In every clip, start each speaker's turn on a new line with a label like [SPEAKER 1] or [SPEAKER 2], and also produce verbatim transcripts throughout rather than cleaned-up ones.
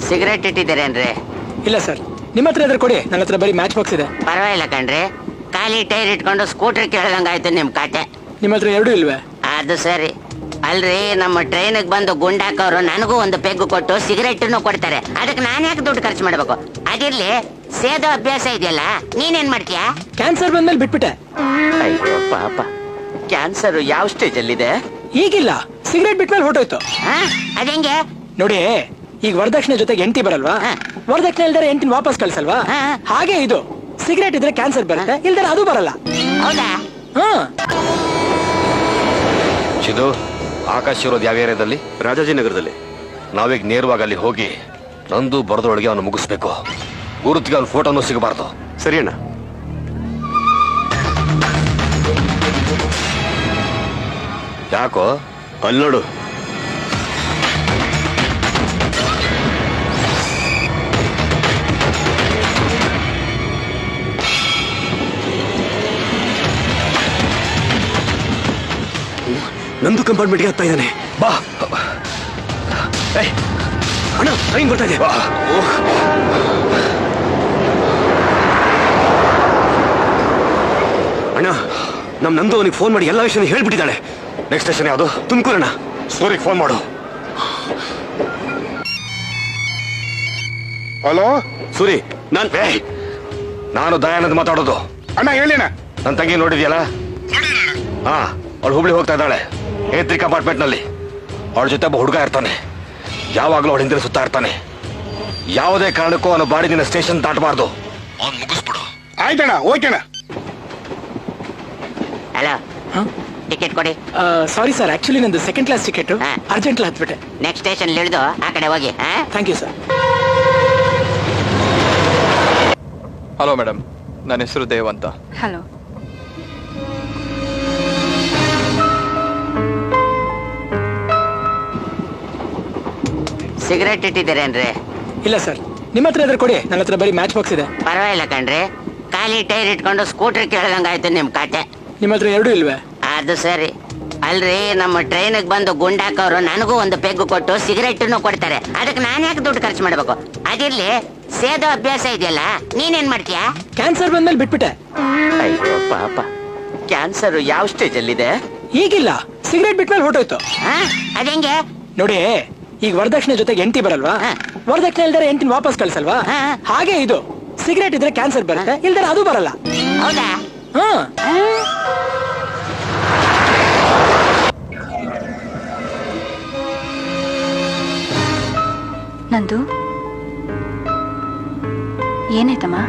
[SPEAKER 1] Cigarette ಇಟ್ಟಿದ್ದೀರೇನ್ರಿ?
[SPEAKER 2] ಇಲ್ಲ sir, ನಿಮ್ಮ ಹತ್ರ ಇದ್ರೆ ಕೊಡಿ, ನನ್ನ ಹತ್ರ ಬರೀ ಮ್ಯಾಚ್ ಬಾಕ್ಸ್ ಇದೆ.
[SPEAKER 1] ಪರವಾಗಿಲ್ಲ ಕಣ್ರಿ, ಖಾಲಿ ಟೈರ್ ಇಟ್ಕೊಂಡು ಸ್ಕೂಟರ್ ಕೇಳ್ದಂಗಾಯ್ತು ನಿಮ್ ಕಾಟೆ.
[SPEAKER 2] ನಿಮ್ಮ ಹತ್ರ ಎರಡೂ ಇಲ್ವೇ?
[SPEAKER 1] ಅದು ಸರಿ. ಅಲ್ರಿ, ನಮ್ಮ ಟ್ರೈನಿಗೆ ಬಂದು ಗುಂಡಾಕವ್ರು ನನಗೂ ಒಂದು ಪೆಗ್ ಕೊಟ್ಟು ಸಿಗರೇಟನ್ನು ಕೊಡ್ತಾರೆ. ಅದಕ್ಕೆ ನಾನು ಯಾಕೆ ದುಡ್ಡು ಖರ್ಚು ಮಾಡ್ಬೇಕು? ಅದಿರ್ಲಿ, ಸೇದೋ ಅಭ್ಯಾಸ ಇದೆಯಲ್ಲ, ನೀನೇನ್ ಮಾಡ್ತೀಯಾ?
[SPEAKER 2] ಕ್ಯಾನ್ಸರ್ ಬಂದ್ಮೇಲೆ ಬಿಟ್ಬಿಟ್ಟೆ.
[SPEAKER 1] ಅಯ್ಯೋ ಪಾಪ, ಕ್ಯಾನ್ಸರ್ ಯಾವ ಸ್ಟೇಜ್ ಅಲ್ಲಿದೆ?
[SPEAKER 2] ಈಗಿಲ್ಲ, ಸಿಗರೇಟ್ ಬಿಟ್ಮೇಲೆ ಹೊಟ್ಟೋಯ್ತು.
[SPEAKER 1] ಅದಂಗೆ
[SPEAKER 2] ನೋಡಿ, ಈಗ ವರದಕ್ಷಿಣೆ ಜೊತೆಗೆ ಎಂಟಿ ಬರಲ್ವಾ? ವರದಕ್ಷಿಣೆ ಇಲ್ದರೆ ಎಂಟಿನ ವಾಪಸ್ ಕಳ್ಸಲ್ವಾ? ಹಾಗೆ ಇದು, ಸಿಗರೇಟ್ ಇದ್ರೆ ಕ್ಯಾನ್ಸರ್ ಬರುತ್ತೆ, ಇಲ್ದರೆ ಅದು ಬರಲ್ಲ.
[SPEAKER 1] ಹೌದಾ?
[SPEAKER 2] ಹಾ.
[SPEAKER 3] ಚಿದು, ಆಕಾಶ್ ಇರೋದು ಯಾವ ಏರಿಯಾದಲ್ಲಿ?
[SPEAKER 4] ರಾಜಾಜಿನಗರದಲ್ಲಿ.
[SPEAKER 3] ನಾವೀಗ ನೇರವಾಗಿ ಅಲ್ಲಿ ಹೋಗಿ ನಂದು ಬರದೊಳಗೆ ಅವನು ಮುಗಿಸ್ಬೇಕು. ಗುರುತಿಗೆ ಅವನ ಫೋಟೋನು ಸಿಗಬಾರ್ದು.
[SPEAKER 4] ಸರಿ ಅಣ್ಣ.
[SPEAKER 3] ಯಾಕೋ?
[SPEAKER 4] ಅಲ್ಲಿ ನೋಡು. ನಂದು ಕಂಪಾರ್ಟ್ಮೆಂಟ್ಗೆ ಹತ್ತಾ ಇದ್ದಾನೆ.
[SPEAKER 3] ಬಾ
[SPEAKER 4] ಅಣ್ಣ, ಟ್ರೈನ್ ಬರ್ತಾ ಇದೆ. ಅಣ್ಣ, ನಮ್ ನಂದು ಅವನಿಗೆ ಫೋನ್ ಮಾಡಿ ಎಲ್ಲ ವಿಷಯ ಹೇಳ್ಬಿಟ್ಟಿದ್ದಾಳೆ.
[SPEAKER 3] ನೆಕ್ಸ್ಟ್ ಸ್ಟೇಷನ್ ಯಾವುದು?
[SPEAKER 4] ತುಮಕೂರಣ್ಣ.
[SPEAKER 3] ಸೂರಿಗೆ ಫೋನ್ ಮಾಡು.
[SPEAKER 5] ಹಲೋ
[SPEAKER 3] ಸೂರಿ,
[SPEAKER 4] ನಾನ್
[SPEAKER 3] ನಾನು ದಯಾನಂದ್ ಮಾತಾಡೋದು.
[SPEAKER 5] ಅಣ್ಣ, ಹೇಳಿಣ್ಣ.
[SPEAKER 3] ನನ್ನ ತಂಗಿ ನೋಡಿದ್ಯಲ್ಲ? ಹಾ, ಅವಳು ಹುಬ್ಳಿ ಹೋಗ್ತಾ ಇದ್ದಾಳೆ, ಏತ್ರಿ ಕಂಪಾರ್ಟ್ಮೆಂಟ್ ನಲ್ಲಿ. ಅವಳ ಜೊತೆ ಒಬ್ಬ ಹುಡುಗ ಇರ್ತಾನೆ, ಯಾವಾಗಲೂ ಅವಳ ಹಿಂದೆ ಸುತ್ತಾ ಇರ್ತಾನೆ. ಯಾವುದೇ ಕಾರಣಕ್ಕೂ ಅವನು ಬಾಡಿ ದಿನ ಸ್ಟೇಷನ್ ದಾಟಬಾರ್ದು. ಅವ್ನು ಮುಗಿಸ್ಬಿಡು.
[SPEAKER 5] ಆಯ್ತಣ್ಣ, ಓಕೆಣ್ಣ.
[SPEAKER 1] ಹಲೋ, ಟಿಕೆಟ್ ಕೊಡಿ.
[SPEAKER 2] ಸಾರಿ ಸರ್, ಆಕ್ಚುಲಿ ನಂದು ಸೆಕೆಂಡ್ ಕ್ಲಾಸ್ ಟಿಕೆಟ್, ಅರ್ಜೆಂಟ್ ಹತ್ಬಿಟ್ಟೆ.
[SPEAKER 1] ನೆಕ್ಸ್ಟ್ ಸ್ಟೇಷನ್ ಇಳಿದು ಆ ಕಡೆ ಹೋಗಿ.
[SPEAKER 2] Thank you sir.
[SPEAKER 6] Hello madam, ನನ್ನ ಹೆಸರು ದೇವ್ ಅಂತ.
[SPEAKER 7] ಹಲೋ.
[SPEAKER 1] ಸಿಗರೇಟ್ ಇಟ್ಟಿದ್ದೀರೇನ್ರಿ?
[SPEAKER 2] ಇಲ್ಲ ಸರ್, ನಿಮ್ಮ ಹತ್ರ ಇದ್ರೆ ಕೊಡಿ, ನನ್ನ ಹತ್ರ ಬರೀ ಮ್ಯಾಚ್ ಬಾಕ್ಸ್ ಇದೆ.
[SPEAKER 1] ಪರವಾಗಿಲ್ಲ ಕಣ್ರಿ, ಖಾಲಿ ಟೈರ್ ಇಟ್ಕೊಂಡು ಸ್ಕೂಟರ್ ಕೇಳ್ದಂಗಾಯ್ತು ನಿಮ್ ಕಾಟೆ.
[SPEAKER 2] ನಿಮ್ಮ ಹತ್ರ ಎರಡೂ ಇಲ್ವೇ?
[SPEAKER 1] ಅದು ಸರಿ. ಅಲ್ರಿ, ನಮ್ಮ ಟ್ರೈನಿಗೆ ಬಂದು ಗುಂಡಾಕವ್ರು ನನಗೂ ಒಂದು ಪೆಗ್ ಕೊಟ್ಟು ಸಿಗರೇಟನ್ನು ಕೊಡ್ತಾರೆ. ಅದಕ್ಕೆ ನಾನು ಯಾಕೆ ದುಡ್ಡು ಖರ್ಚು ಮಾಡ್ಬೇಕು? ಅದಿರ್ಲಿ, ಸೇದೋ ಅಭ್ಯಾಸ ಇದೆಯಲ್ಲ, ನೀನೇನ್ ಮಾಡ್ತೀಯಾ?
[SPEAKER 2] ಕ್ಯಾನ್ಸರ್ ಬಂದ್ಮೇಲೆ ಬಿಟ್ಬಿಟ್ಟೆ.
[SPEAKER 1] ಅಯ್ಯೋ ಪಾಪ, ಕ್ಯಾನ್ಸರ್ ಯಾವ ಸ್ಟೇಜ್ ಅಲ್ಲಿದೆ?
[SPEAKER 2] ಈಗಿಲ್ಲ, ಸಿಗರೇಟ್ ಬಿಟ್ಮೇಲೆ ಹೊಟ್ಟೋಯ್ತು.
[SPEAKER 1] ಅದಂಗೆ
[SPEAKER 2] ನೋಡಿ, ಈಗ ವರದಕ್ಷಿಣೆ ಜೊತೆಗೆ ಎಂಟಿ ಬರಲ್ವಾ? ವರದಕ್ಷಿಣೆ ಇಲ್ದರೆ ಎಂಟಿನ ವಾಪಸ್ ಕಳ್ಸಲ್ವಾ? ಹಾಗೆ ಇದು, ಸಿಗರೇಟ್ ಇದ್ರೆ ಕ್ಯಾನ್ಸರ್ ಬರುತ್ತೆ, ಇಲ್ದರೆ ಅದು ಬರಲ್ಲ.
[SPEAKER 1] ಹೌದಾ?
[SPEAKER 2] ಹಾ.
[SPEAKER 7] ನಂದು ಏನಾಯ್ತಮ್ಮ?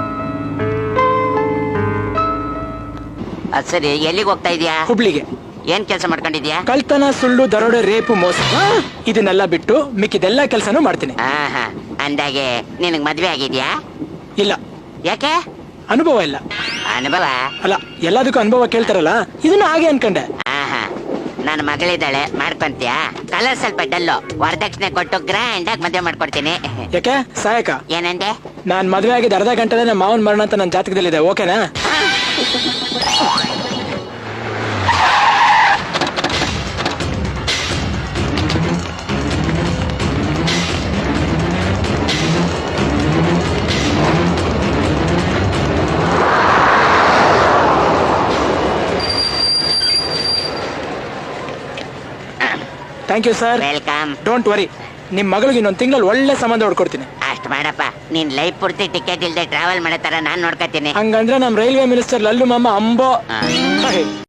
[SPEAKER 1] ಅದ್ ಸರಿ, ಎಲ್ಲಿಗೆ ಹೋಗ್ತಾ ಇದೀಯಾ?
[SPEAKER 2] ಹುಬ್ಳಿಗೆ.
[SPEAKER 1] ಏನ್ ಕೆಲಸ ಮಾಡ್ಕೊಂಡಿದ್ಯಾ?
[SPEAKER 2] ಕಳ್ತನ, ಸುಳ್ಳು, ದರೋಡೆ, ರೇಪು, ಮೋಸ, ಇದನ್ನೆಲ್ಲ ಬಿಟ್ಟು ಮಿಕ್ಕಿದೆಲ್ಲ ಕೆಲಸನೂ ಮಾಡ್ತೀನಿ.
[SPEAKER 1] ಆಹಾ, ಅಂದಾಗೆ ನಿನಗ್ ಮದ್ವೆ ಆಗಿದ್ಯಾ?
[SPEAKER 2] ಇಲ್ಲ.
[SPEAKER 1] ಯಾಕೆ?
[SPEAKER 2] ಅನುಭವ ಇಲ್ಲ.
[SPEAKER 1] ಅನುಭವ
[SPEAKER 2] ಅಲ್ಲ, ಎಲ್ಲದಕ್ಕೂ ಅನುಭವ ಕೇಳ್ತಾರಲ್ಲ, ಇದನ್ನ ಹಾಗೆ ಅನ್ಕಂಡೆ.
[SPEAKER 1] ಆಹಾ, ನನ್ನ ಮಗಳಿದ್ದಾಳೆ, ಮಾಡ್ಕೊಂತೀಯಾ? ಕಲರ್ ಸ್ವಲ್ಪ ಡಲ್ಲು, ವರದಕ್ಷಿಣೆ ಕೊಟ್ಟು ಗ್ರ್ಯಾಂಡ್ ಆಗಿ ಮದ್ವೆ ಮಾಡ್ಕೊಡ್ತೀನಿ.
[SPEAKER 2] ಯಾಕೆ ಸಹಾಯಕ?
[SPEAKER 1] ಏನಂದೆ?
[SPEAKER 2] ನಾನ್ ಮದ್ವೆ ಆಗಿದ್ದ ಅರ್ಧ ಗಂಟೆ ನಮ್ಮ ಮಾವನ್ ಮರಣ ಅಂತ ನನ್ನ ಜಾತಕದಲ್ಲಿದೆ, ಓಕೆನಾ? Thank you sir.
[SPEAKER 1] Welcome.
[SPEAKER 2] Don't worry, ನಿಮ್ ಮಗಳಿಗೆ ಇನ್ನೊಂದು ತಿಂಗಳಲ್ಲಿ ಒಳ್ಳೆ ಸಂಬಂಧ ಹೊಡ್ಕೊಡ್ತೀನಿ.
[SPEAKER 1] ಅಷ್ಟ್ ಮಾಡಪ್ಪ, ನೀನ್ ಲೈಫ್ ಪೂರ್ತಿ ಟಿಕೆಟ್ ಇಲ್ದೆ ಟ್ರಾವೆಲ್ ಮಾಡೋ ತರ ನಾನ್ ನೋಡ್ಕೊತೀನಿ.
[SPEAKER 2] ಹಂಗಂದ್ರೆ ನಮ್ ರೈಲ್ವೆ ಮಿನಿಸ್ಟರ್ ಲಲ್ಲು ಮಾಮ ಅಂಬೋ.
[SPEAKER 1] ಆ.